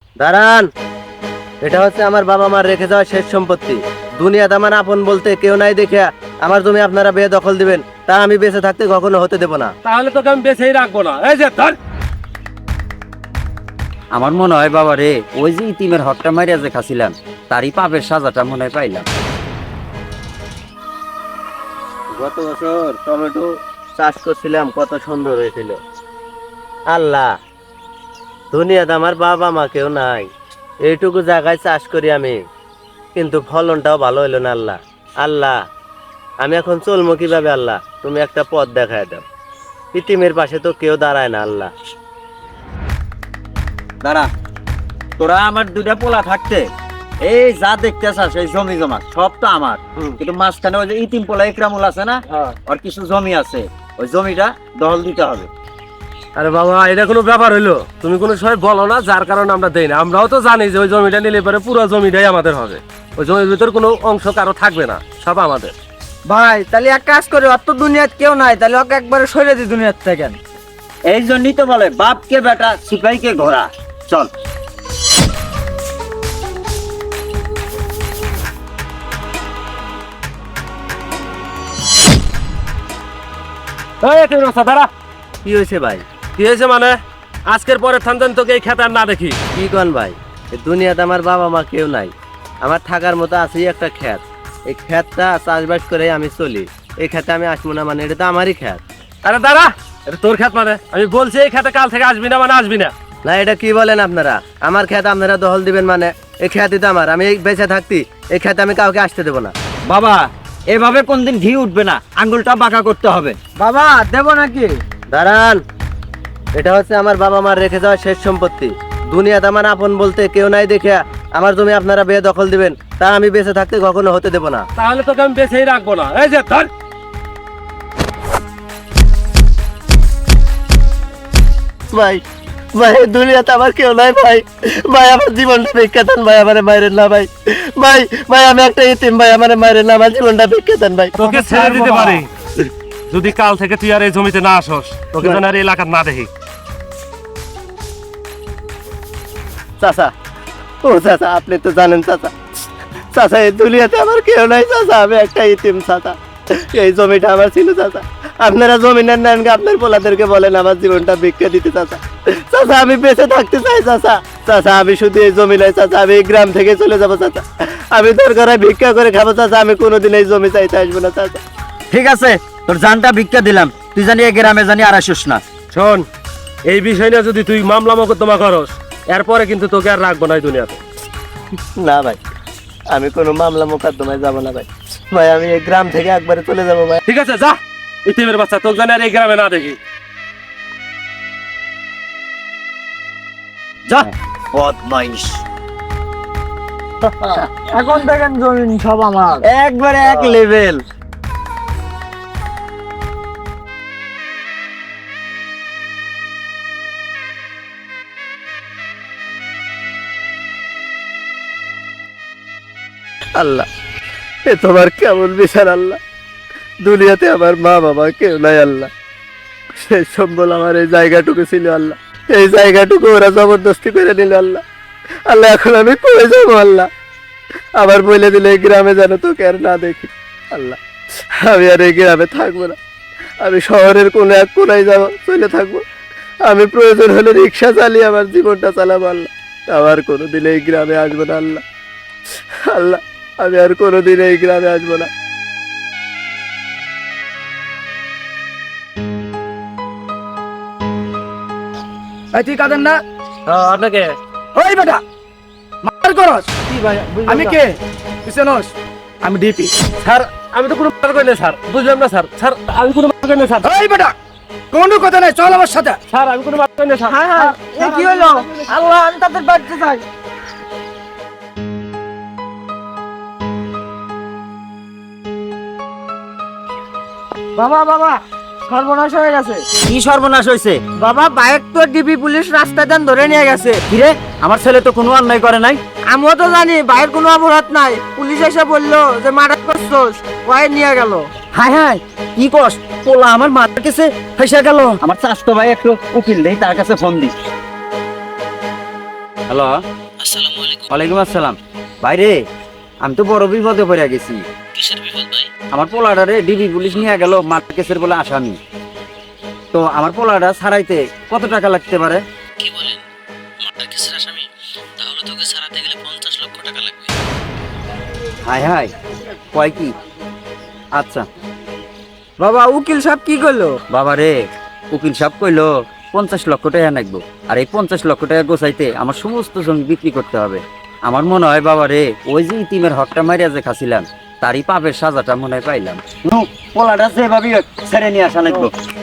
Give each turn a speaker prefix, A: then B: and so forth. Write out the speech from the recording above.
A: দাঁড়ান, এটা হচ্ছে আমার বাবা মার রেখে যাওয়া শেষ সম্পত্তি। দুনিয়াতে আমার আপন বলতে কেউ নাই দেখে আমার জমি আপনারা বেদখল দিবেন, তা আমি বেঁচে থাকতে কখনো হতে দেব না।
B: তাহলে তোকে আমি বেঁচেই রাখবো না। এই যে ধর।
C: আমার মনে হয় বাবা রে, ওই যে ইতিমের হকটা মারিয়া যে খাছিলাম, তারই পাপের সাজাটা মনে হয় পাইলাম।
A: গত বছর টমেটো চাষ করছিলাম, কত সুন্দর হয়েছিল। আল্লাহ, দুনিয়াতে আমার বাবা মা কেউ নাই, এইটুকু জায়গায় চাষ করি আমি, কিন্তু ফলনটাও ভালো হইলো না। আল্লাহ, আল্লাহ, আমি এখন চলবো কিভাবে? আল্লাহ, তুমি একটা পথ দেখায় দাও। ইতিমের পাশে তো কেউ দাঁড়ায় না। আল্লাহ,
C: দাঁড়া, তোরা আমার দুটা পোলা থাকতে এই যা দেখতে চাস এই জমি জমা সব তো আমার, কিন্তু মাঝখানে ওই যে ইতিম পোলা ইকরামুল আছে না, ওর কিছু জমি আছে, ওই জমিটা দখল দিতে হবে।
B: আরে বাবা, এটা কোনো ব্যাপার হইলো? তুমি কোনো সময় বলো না, যার কারণে আমরা দেই না। আমরাও তো জানি যে ওই জমিটা নিলে পরে পুরো জমিটাই আমাদের হবে। ওই জমির ভিতর কোনো অংশ কারো থাকবে না, সব আমাদের।
D: ভাই তাহলে এক কাজ করে, অত দুনিয়াত কেউ নাই, তাহলে ওকে একবারে সরে দি দুনিয়ার থেকে।
C: এই জন্যই তো বলে বাপকে বেটা সিপাহীকে ঘোড়া। চল।
B: এই তুই রাস্তা দাঁড়া।
A: কি হয়েছে ভাই?
B: কি হয়েছে মানে? আজকের পরে থানতেন তোকে এই খেতে আর না দেখি।
A: কি কন ভাই? এই দুনিয়াতে আমার বাবা মা কেউ নাই, আমার থাকার মতো আছেই একটা ক্ষেত। এই ক্ষেতটা চাষবাস করে আমি চলি। এই খেতে আমি আসবো না মানে এটা তো আমারই ক্ষেত।
B: আরে দাঁড়া, এটা তোর খেত মানে? আমি বলছি এই খেতে কাল থেকে আসবি না মানে আসবি না।
A: না, এটা কি বলেন আপনারা? আমার ক্ষেত আপনারা দখল দিবেন মানে? এই ক্ষেতই তো আমার, আমি বেঁচে থাকতি এই ক্ষেতে আমি কাউকে আসতে দেবো না।
C: বাবা, এভাবে কোনদিন ঘি উঠবে না, আঙ্গুলটা বাঁকা করতে হবে।
D: বাবা দেব নাকি?
A: দাঁড়ান, এটা হচ্ছে আমার বাবা মার রেখে যাওয়া শেষ সম্পত্তি। দুনিয়াতে আমার আপন বলতে কেউ নাই দেখে আমার জমি আপনারা বেদখল দিবেন, তা আমি বেঁচে থাকতে কখনো হতে দেব না।
B: তাহলে তোকে আমি বেঁচেই রাখবো না। এই যে ধর।
A: ভাই, ভাই, দুনিয়াতে আমার কেউ নাই ভাই। ভাই, আমার জীবনটা ভিক্ষা দেন ভাই, আমারে মাইরেন না ভাই। ভাই, ভাই, আমি একটা ইতিম ভাই, আমারে মাইরেন না, আমার জীবনটা ভিক্ষা দেন ভাই।
B: তোকে ছেড়ে দিতে পারি যদি কাল থেকে তুই আর এই জমিতে না আসস, তোকে যেন আর এই এলাকার না দেখি।
A: চাচা, ও চাচা, আপনি তো জানেন চাচা, চাচা এই দুনিয়াতে আমার কেউ নাই চাচা, আমি একটা ইতিম চাচা। এই জমিটা আমার ছিল চাচা, আপনারা জমিনের নেন, আপনার পোলাদেরকে বলেন আমার জীবনটা ভিক্ষা দিতে চাচা। চাচা আমি বেঁচে থাকতে চাই চাচা। চাচা আমি শুধু এই জমি নাই চাচা, আমি এই গ্রাম থেকে চলে যাবো চাচা, আমি দরকার হয় ভিক্ষা করে খাবো চাচা, আমি কোনোদিন এই জমি চাইতে আসবো না চাচা।
C: ঠিক আছে, তোর জানটা ভিক্ষা দিলাম, তুই জানি এই গ্রামে জানি আর আসিস না।
B: শোন, এই বিষয় নিয়ে যদি তুই মামলা মোকদ্দমা করস, এরপরে কিন্তু তোকে আর রাখবো না এই দুনিয়াতে।
A: না ভাই, আমি কোনো মামলা মোকদ্দমায় যাবো না ভাই। ভাই, আমি এই গ্রাম থেকে একবারে চলে যাবো ভাই।
B: ঠিক আছে, যা। ইতিমের বাচ্চা, তোকে জানি আর এই গ্রামে না দেখি।
C: যা বদমাইশ।
D: এখন দেখেন জমিন সব আমার।
C: একবারে এক লেভেল।
A: আল্লাহ, এ তোমার কেমন বিচার আল্লাহ? দুনিয়াতে আমার মা বাবা কেউ নাই আল্লাহ, সেই সম্বল আমার এই জায়গাটুকু ছিল আল্লাহ, এই জায়গাটুকু ওরা জবরদস্তি করে নিল আল্লাহ। আল্লাহ, এখন আমি কই যাবো আল্লাহ? আবার বলে দিলে এই গ্রামে যেন তোকে আর না দেখি আল্লাহ। আমি আর এই গ্রামে থাকবো না, আমি শহরের কোনো এক কোনায় যাবো, চলে থাকবো। আমি প্রয়োজন হলে রিক্সা চালিয়ে আমার জীবনটা চালাবো আল্লাহ। আবার কোনোদিন এই গ্রামে আসবো না আল্লাহ। আল্লাহ, আমি আর কোনোদিন এই গ্রামে আসবো না।
D: এই তুই কাঁদেন না?
B: আপনাকে
D: ওই বেটা মার করস।
B: কি ভাই?
D: আমি কে তুই চেনস? আমি ডিপি।
B: স্যার, আমি তো কোনো মার করি না স্যার, বুঝলাম না স্যার। স্যার, আমি কোনো মার করি না স্যার।
D: ওই বেটা কোনো কথা নাই, চল আমার সাথে।
B: স্যার, আমি কোনো মার করি না স্যার।
D: এ কি হলো? আল্লাহ, আমি তাদের বাড়িতে যাই। বাবা বাবা, সর্বনাশ হয়ে গেছে।
C: কি সর্বনাশ হয়েছে?
D: বাবা, বাইক তো ডিবি পুলিশ রাস্তা দেন ধরে নিয়ে গেছে।
C: কিরে, আমার ছেলে তো কোনো অন্যায় করে নাই।
D: আমিও তো জানি বাইরের কোনো অপরাধ নাই, পুলিশ এসে বললো যে মার্ডার করছোস, ওয়াই নিয়ে গেল।
C: হায় হায়, কি কস? পোলা আমার মাথার কাছে ফেসে গেল। আমার চাষতো ভাই একটু উকিল দেই, তার কাছে ফোন দিস। হ্যালো, ওয়ালাইকুম আসসালাম। বাইরে আমি তো বড় বিপদে পড়ে গেছি। আমার পোলাটারে ডিবি পুলিশ নিয়ে গেল মার্ডার কেসের বলে আসামি। তো আমার পোলাটা ছাড়াইতে কত টাকা লাগতে পারে?
E: কি বলেন, মার্ডার কেসের আসামি? তাহলে তোকে ছাড়াতে গেলে 50 লক্ষ টাকা লাগবে।
C: হাই হাই, কয় কি? আচ্ছা
D: বাবা উকিল সাহেব কি করলো?
C: বাবা রে, উকিল সাহেব কইলো 50 লক্ষ টাকা লাগবো। আর এই 50 লক্ষ টাকা গোছাইতে আমার সমস্ত জমি বিক্রি করতে হবে। আমার মনে হয় বাবা রে, ওই যে ইতিমের হকটা মারিয়া যে খাছিলাম, তারই পাপের সাজাটা মনে হয় পাইলাম। পোলাটা যেভাবে ছেড়ে নিয়ে আসা লাগবো।